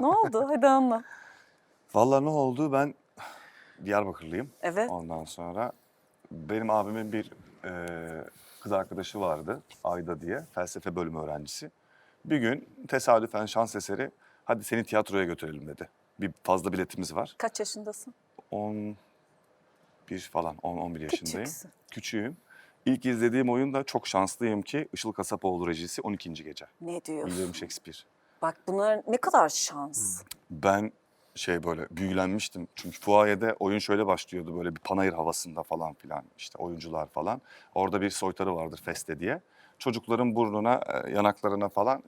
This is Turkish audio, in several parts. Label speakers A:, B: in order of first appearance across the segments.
A: Ne oldu? Hadi anlat.
B: Vallahi ne oldu? Ben Diyarbakırlıyım.
A: Evet.
B: Ondan sonra benim abimin bir kız arkadaşı vardı. Ayda diye. Felsefe bölümü öğrencisi. Bir gün tesadüfen şans eseri hadi seni tiyatroya götürelim dedi. Bir fazla biletimiz var.
A: Kaç yaşındasın?
B: 11 falan, 10-11 yaşındayım.
A: Küçüksün.
B: Küçüğüm. İlk izlediğim oyun da çok şanslıyım ki Işıl Kasapoğlu rejisi 12. Gece.
A: Ne diyorsun?
B: William Shakespeare.
A: Bak bunlar ne kadar şans.
B: Ben böyle büyülenmiştim. Çünkü fuayede oyun şöyle başlıyordu böyle bir panayır havasında falan filan işte oyuncular falan. Orada bir soytarı vardır Feste diye. Çocukların burnuna, yanaklarına falan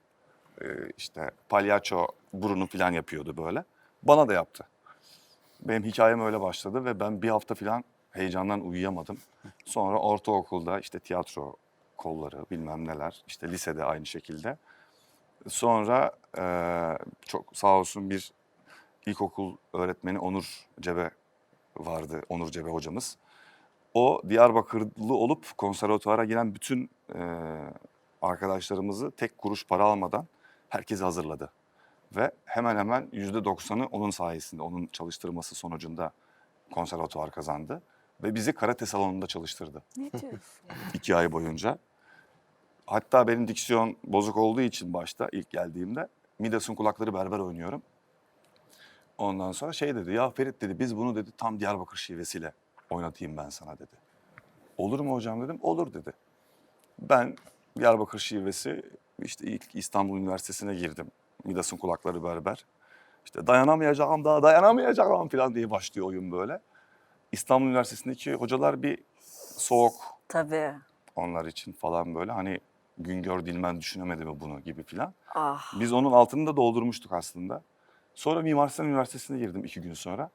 B: işte palyaço burunu falan yapıyordu böyle. Bana da yaptı. Benim hikayem öyle başladı ve ben bir hafta falan heyecandan uyuyamadım. Sonra ortaokulda işte tiyatro kolları bilmem neler, işte lisede aynı şekilde. Sonra çok sağ olsun bir ilkokul öğretmeni Onur Cebe vardı, Onur Cebe hocamız. O Diyarbakırlı olup konservatuvara giren bütün arkadaşlarımızı tek kuruş para almadan herkesi hazırladı. Ve hemen hemen %90'ı onun sayesinde, onun çalıştırması sonucunda konservatuvar kazandı. Ve bizi karate salonunda çalıştırdı
A: Ne diyorsun?
B: 2 ay boyunca. Hatta benim diksiyon bozuk olduğu için başta ilk geldiğimde Midas'ın kulakları berber oynuyorum. Ondan sonra dedi ya Ferit dedi biz bunu dedi tam Diyarbakır şivesiyle oynatayım ben sana dedi. Olur mu hocam dedim olur dedi. Ben Diyarbakır şivesi işte ilk İstanbul Üniversitesi'ne girdim. Midas'ın kulakları berber. İşte dayanamayacağım daha dayanamayacağım falan diye başlıyor oyun böyle. İstanbul Üniversitesi'ndeki hocalar bir soğuk
A: Tabii.
B: onlar için falan böyle hani Güngör Dilmen düşünemedi mi bunu gibi falan.
A: Ah.
B: Biz onun altını da doldurmuştuk aslında. Sonra Mimar Sinan Üniversitesi'ne girdim 2 gün sonra.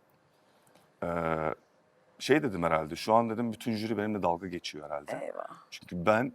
B: Dedim herhalde şu an dedim bütün jüri benimle dalga geçiyor herhalde.
A: Eyvah.
B: Çünkü ben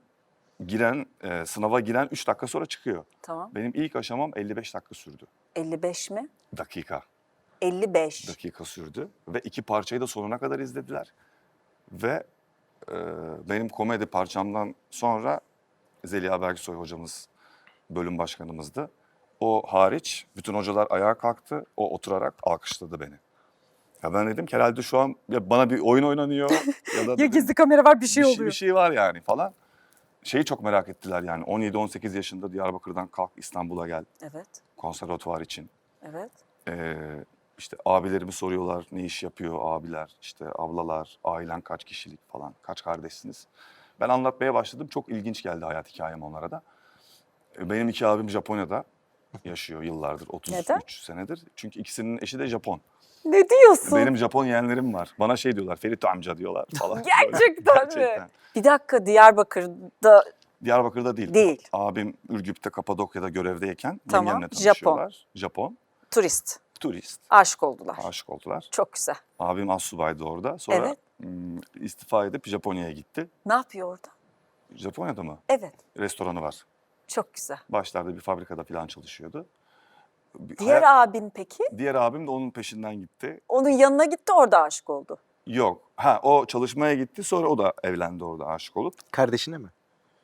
B: sınava giren 3 dakika sonra çıkıyor.
A: Tamam.
B: Benim ilk aşamam 55 dakika sürdü.
A: 55 mi?
B: Dakika
A: 55.
B: sürdü ve 2 parçayı da sonuna kadar izlediler. Ve benim komedi parçamdan sonra Zeliha Bergsoy hocamız bölüm başkanımızdı. O hariç bütün hocalar ayağa kalktı. O oturarak alkışladı beni. Ya ben dedim ki herhalde şu an ya bana bir oyun oynanıyor ya da
A: Ya
B: dedim,
A: gizli kamera var bir şey
B: bir
A: oluyor.
B: şey var yani falan. Şeyi çok merak ettiler yani 17-18 yaşında Diyarbakır'dan kalk İstanbul'a gel
A: Evet.
B: konservatuvar için.
A: Evet.
B: İşte abilerimi soruyorlar ne iş yapıyor abiler, işte ablalar, ailen kaç kişilik falan, kaç kardeşsiniz? Ben anlatmaya başladım. Çok ilginç geldi hayat hikayem onlara da. Benim 2 abim Japonya'da yaşıyor yıllardır, 33
A: Neden?
B: senedir. Çünkü ikisinin eşi de Japon.
A: Ne diyorsun?
B: Benim Japon yeğenlerim var. Bana diyorlar, Ferit amca diyorlar falan.
A: Gerçekten mi?
B: Gerçekten.
A: Bir dakika Diyarbakır'da
B: Diyarbakır'da değil.
A: değil.
B: Abim Ürgüp'te, Kapadokya'da görevdeyken
A: Tamam,
B: yengemle
A: Japon.
B: tanışıyorlar. Japon.
A: Turist.
B: Turist.
A: Aşık oldular.
B: Aşık oldular.
A: Çok güzel.
B: Abim astsubaydı orada. Sonra
A: Evet.
B: istifa edip Japonya'ya gitti.
A: Ne yapıyor orada?
B: Japonya'da mı?
A: Evet.
B: Restoranı var.
A: Çok güzel.
B: Başlarda bir fabrikada falan çalışıyordu.
A: Diğer abin peki?
B: Diğer abim de onun peşinden gitti.
A: Onun yanına gitti orada aşık oldu.
B: Yok. O çalışmaya gitti sonra o da evlendi orada aşık olup.
C: Kardeşine mi?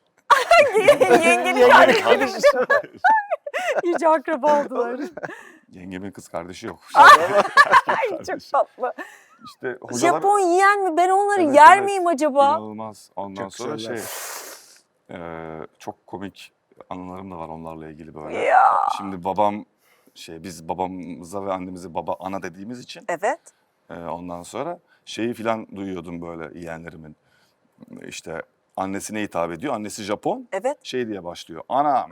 A: Yengenin kardeşi. İyice akraba oldular.
B: Yengemin kız kardeşi yok.
A: Ay çok tatlı.
B: İşte hocalar...
A: Japon yiyen mi? Ben onları
B: Evet,
A: yer
B: evet.
A: miyim acaba?
B: İnanılmaz. Ondan
C: Çok
B: sonra
C: güzeller.
B: çok komik anılarım da var onlarla ilgili böyle.
A: Ya.
B: Şimdi biz babamıza ve annemize baba ana dediğimiz için
A: Evet.
B: ondan sonra şeyi filan duyuyordum böyle yeğenlerimin. İşte annesine hitap ediyor. Annesi Japon.
A: Evet.
B: Şey diye başlıyor. Ana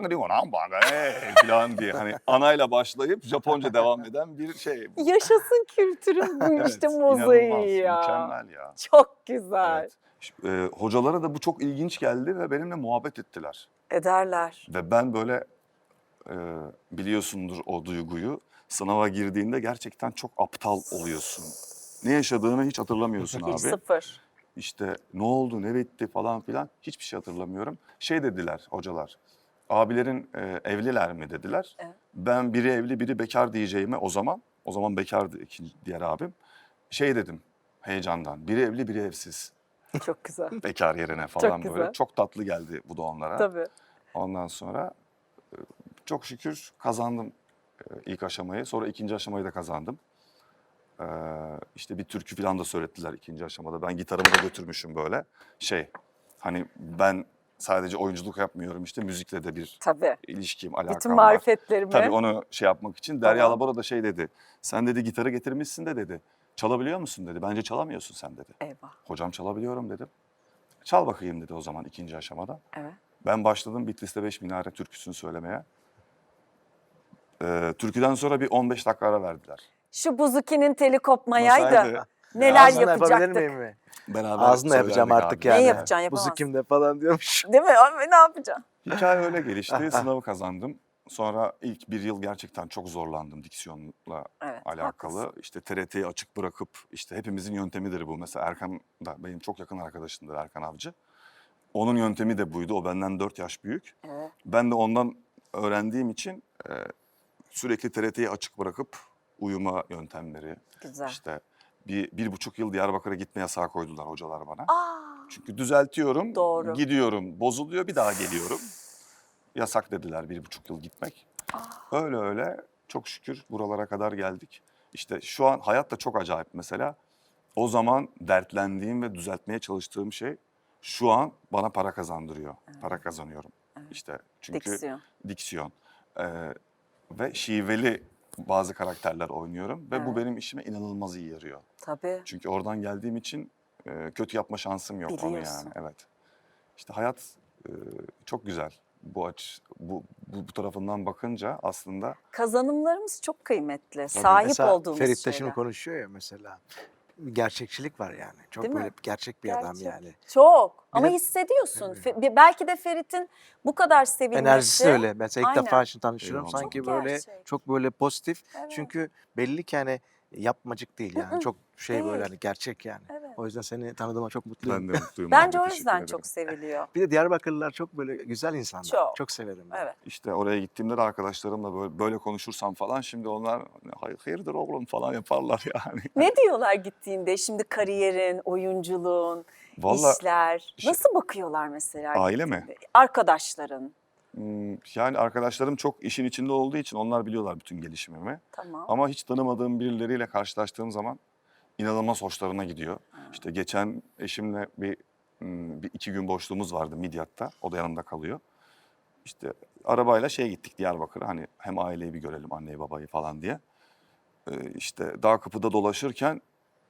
B: filan diye. Hani anayla başlayıp Japonca devam eden bir şey.
A: Yaşasın kültürün bu
B: Evet,
A: işte
B: inanılmaz,
A: mozaiği ya.
B: mükemmel ya.
A: Çok güzel.
B: Evet. Hocalara da bu çok ilginç geldi ve benimle muhabbet ettiler.
A: Ederler.
B: Ve ben böyle biliyorsundur o duyguyu. Sınava girdiğinde gerçekten çok aptal oluyorsun. Ne yaşadığını hiç hatırlamıyorsun
A: Hiç
B: abi.
A: sıfır.
B: İşte ne oldu, ne bitti falan filan hiçbir şey hatırlamıyorum. Dediler hocalar, abilerin evliler mi dediler.
A: Evet.
B: Ben biri evli biri bekar diyeceğime o zaman bekardı diğer abim. Dedim heyecandan, biri evli biri evsiz.
A: Çok güzel.
B: Bekar yerine falan
A: Çok
B: böyle.
A: güzel.
B: Çok tatlı geldi bu da onlara.
A: Tabii.
B: Ondan sonra çok şükür kazandım ilk aşamayı. Sonra ikinci aşamayı da kazandım. İşte bir türkü falan da söylettiler ikinci aşamada. Ben gitarımı da götürmüşüm böyle. Hani ben sadece oyunculuk yapmıyorum, işte müzikle de bir
A: Tabii.
B: ilişkim,
A: Bütün
B: alakam var.
A: marifetlerimi.
B: Tabii onu şey yapmak için Derya
A: Tamam.
B: Alabora da şey dedi. Sen dedi gitarı getirmişsin de dedi. Çalabiliyor musun dedi. Bence çalamıyorsun sen dedi.
A: Eyvah.
B: Hocam çalabiliyorum dedim. Çal bakayım dedi o zaman ikinci aşamada.
A: Evet.
B: Ben başladım Bitlis'te 5 minare türküsünü söylemeye. Türküden sonra bir 15 dakika ara verdiler.
A: Şu buzukinin teli kopmayaydı.
B: Masaydı.
A: Neler
C: Ağzınla yapabilir
A: yapacaktık.
C: miyim mi?
B: Beraber
C: Ağzınla yapacağım
B: söylerdik
C: artık
B: abi.
C: yani.
A: Ne yapacaksın,
C: Buzu
A: yapamazsın.
C: kimde falan diyormuş.
A: Değil mi? Abi, ne yapacaksın?
B: Hikaye öyle gelişti. Sınavı kazandım. Sonra ilk bir yıl gerçekten çok zorlandım diksiyonla
A: Evet,
B: alakalı.
A: haklısın.
B: İşte TRT'yi açık bırakıp, işte hepimizin yöntemidir bu. Mesela Erkan da benim çok yakın arkadaşımdır, Erkan Avcı. Onun yöntemi de buydu. O benden 4 yaş büyük.
A: Evet.
B: Ben de ondan öğrendiğim için sürekli TRT'yi açık bırakıp uyuma yöntemleri.
A: Güzel.
B: İşte bir buçuk yıl Diyarbakır'a gitme yasağı koydular hocalar bana.
A: Aa,
B: Çünkü düzeltiyorum,
A: Doğru.
B: gidiyorum, bozuluyor, bir daha geliyorum. Yasak dediler 1,5 yıl gitmek. Öyle öyle çok şükür buralara kadar geldik. İşte şu an hayat da çok acayip mesela. O zaman dertlendiğim ve düzeltmeye çalıştığım şey şu an bana para kazandırıyor. Para kazanıyorum. İşte çünkü diksiyon. Ve şiveli bazı karakterler oynuyorum ve bu benim işime inanılmaz iyi yarıyor.
A: tabii.
B: Çünkü oradan geldiğim için kötü yapma şansım yok onu
A: Biliyorsun.
B: yani. Evet. İşte hayat çok güzel. Bu tarafından bakınca aslında
A: Kazanımlarımız çok kıymetli. Sahip
C: Mesela
A: olduğumuz
C: Ferit
A: şeyler.
C: Taş'ın konuşuyor ya mesela. Gerçekçilik var yani. Çok
A: Değil mi?
C: böyle gerçek bir adam
A: Gerçek.
C: yani.
A: Çok. Ama
C: de-
A: hissediyorsun. Belki de Ferit'in bu kadar sevilmesi.
C: Enerjisi de öyle. Mesela ilk
A: Aynen.
C: defa şimdi tanışıyorum.
B: Eyvallah.
C: Sanki
A: Çok
C: böyle
A: gerçek.
C: çok böyle pozitif.
A: Evet.
C: Çünkü belli ki hani yapmacık değil yani. Çok şey böyle
A: değil.
C: hani gerçek yani.
A: Evet.
C: O yüzden seni tanıdığıma çok mutluyum.
B: ben de mutluyum.
A: Bence
B: abi,
A: o
B: teşekkür
A: yüzden
B: ederim.
A: çok seviliyor.
C: Bir de Diyarbakırlılar çok böyle güzel insanlar.
A: Çok.
C: Çok severim ben.
A: Evet.
B: İşte oraya gittiğimde de arkadaşlarımla böyle konuşursam falan şimdi onlar hayırdır oğlum falan yaparlar yani.
A: Ne diyorlar gittiğinde? Şimdi kariyerin, oyunculuğun,
B: Vallahi
A: işler.
B: şey-
A: nasıl bakıyorlar mesela
B: Aile mi?
A: gittiğinde? Arkadaşların.
B: Yani arkadaşlarım çok işin içinde olduğu için onlar biliyorlar bütün gelişimimi.
A: Tamam.
B: Ama hiç tanımadığım birileriyle karşılaştığım zaman inanılmaz hoşlarına gidiyor. İşte geçen eşimle bir 2 gün boşluğumuz vardı Midyat'ta. O da yanımda kalıyor. İşte arabayla gittik Diyarbakır'a. Hani hem aileyi bir görelim, anneyi babayı falan diye. İşte Dağ Kapı'da dolaşırken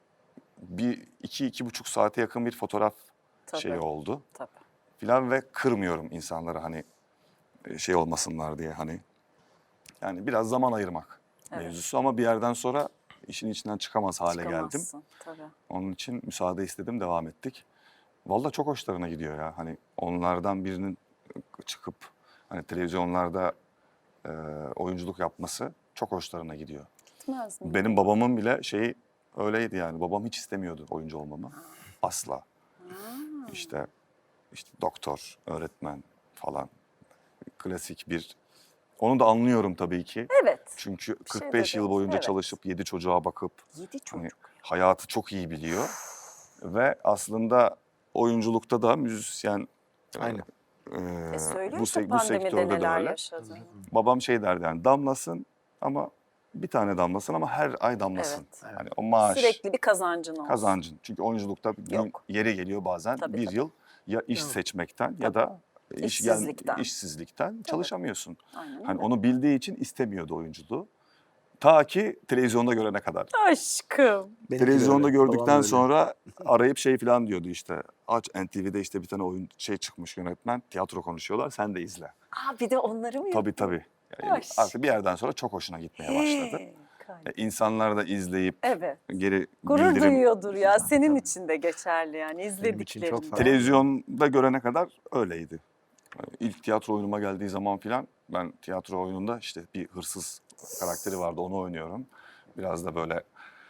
B: iki buçuk saate yakın bir fotoğraf
A: Tabii.
B: oldu.
A: Tabii.
B: Filan ve kırmıyorum insanları hani olmasınlar diye hani. Yani biraz zaman ayırmak mevzusu ama bir yerden sonra işin içinden çıkamaz hale geldim.
A: Çıkamazsın. Tabii.
B: Onun için müsaade istedim, devam ettik. Vallahi çok hoşlarına gidiyor ya. Hani onlardan birinin çıkıp hani televizyonlarda oyunculuk yapması çok hoşlarına gidiyor.
A: Gitmez mi?
B: Benim babamın bile öyleydi yani. Babam hiç istemiyordu oyuncu olmamı. Asla. İşte doktor, öğretmen falan. Klasik bir. Onu da anlıyorum tabii ki.
A: Evet.
B: Çünkü
A: şey
B: 45 yıl
A: dediniz,
B: boyunca
A: evet.
B: çalışıp 7 çocuğa bakıp
A: 7 çocuk.
B: hani hayatı çok iyi biliyor. Ve aslında oyunculukta da müzisyen
C: Aynen.
A: Söylüyor
B: bu
A: işte
B: bu
A: pandemide
B: sektörde de
A: neler
B: öyle.
A: yaşadığını.
B: Babam derdi yani damlasın ama bir tane damlasın ama her ay damlasın.
A: Evet.
B: Hani o maaş,
A: Sürekli bir kazancın olsun.
B: kazancın. Çünkü oyunculukta
A: Yok.
B: yeri geliyor bazen
A: Tabii,
B: bir
A: tabii.
B: yıl ya iş
C: Tabii.
B: seçmekten ya da
A: İşsizlikten.
B: işsizlikten çalışamıyorsun.
A: Aynen
B: Hani
A: öyle.
B: onu bildiği için istemiyordu oyunculuğu. Ta ki televizyonda görene kadar.
A: Aşkım.
C: Benimki de
B: Televizyonda
C: öyle, babam da
B: gördükten
C: öyle.
B: sonra arayıp falan diyordu işte. Aç NTV'de işte bir tane oyun çıkmış yönetmen. Tiyatro konuşuyorlar. Sen de izle.
A: Aa, bir de onları mı
B: Tabii
A: yapıyor?
B: tabii. Yani
A: Hoş.
B: artık bir yerden sonra çok hoşuna gitmeye başladı. İnsanlar da izleyip
A: Evet.
B: geri
A: Gurur
B: bildirim.
A: duyuyordur ya. Senin için de geçerli yani
C: için çok
A: izlediklerinde.
C: fazla.
B: Televizyonda görene kadar öyleydi. İlk tiyatro oyunuma geldiği zaman filan ben tiyatro oyununda işte bir hırsız karakteri vardı onu oynuyorum. Biraz da böyle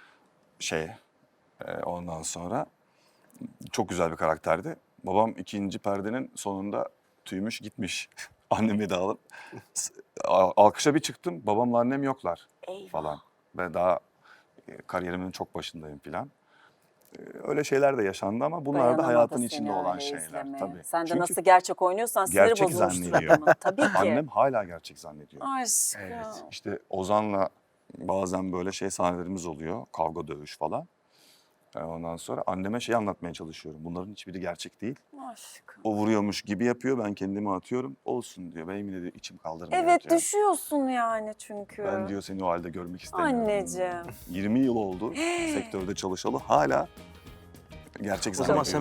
B: ondan sonra çok güzel bir karakterdi. Babam ikinci perdenin sonunda tüymüş gitmiş. Annemi de alıp alkışa bir çıktım. Babamla annem yoklar
A: Eyvah.
B: falan. Ve daha kariyerimin çok başındayım filan. Öyle şeyler de yaşandı ama bunlar da
A: Dayanamadı
B: hayatın
A: seni
B: içinde olan
A: öyle
B: şeyler
A: izlemeye.
B: tabii.
A: Sen de
B: Çünkü
A: nasıl gerçek oynuyorsan siniri
B: gerçek
A: bozulmuştur
B: zannediyor.
A: adamın. Tabii ki.
B: annem hala gerçek zannediyor.
A: Aşkım.
C: Evet.
B: İşte Ozan'la bazen böyle şey sahnelerimiz oluyor. Kavga, dövüş falan. Ondan sonra anneme şey anlatmaya çalışıyorum. Bunların hiçbiri gerçek değil.
A: Aşkım.
B: O vuruyormuş gibi yapıyor. Ben kendimi atıyorum. Olsun diyor. Benim de diyor, içim kaldırmıyor
A: Evet
B: diyor.
A: düşüyorsun yani çünkü.
B: Ben diyor seni o halde görmek istemiyorum.
A: Anneciğim.
B: 20 yıl oldu sektörde çalışalı hala gerçek
C: O zaman
B: zannediyor.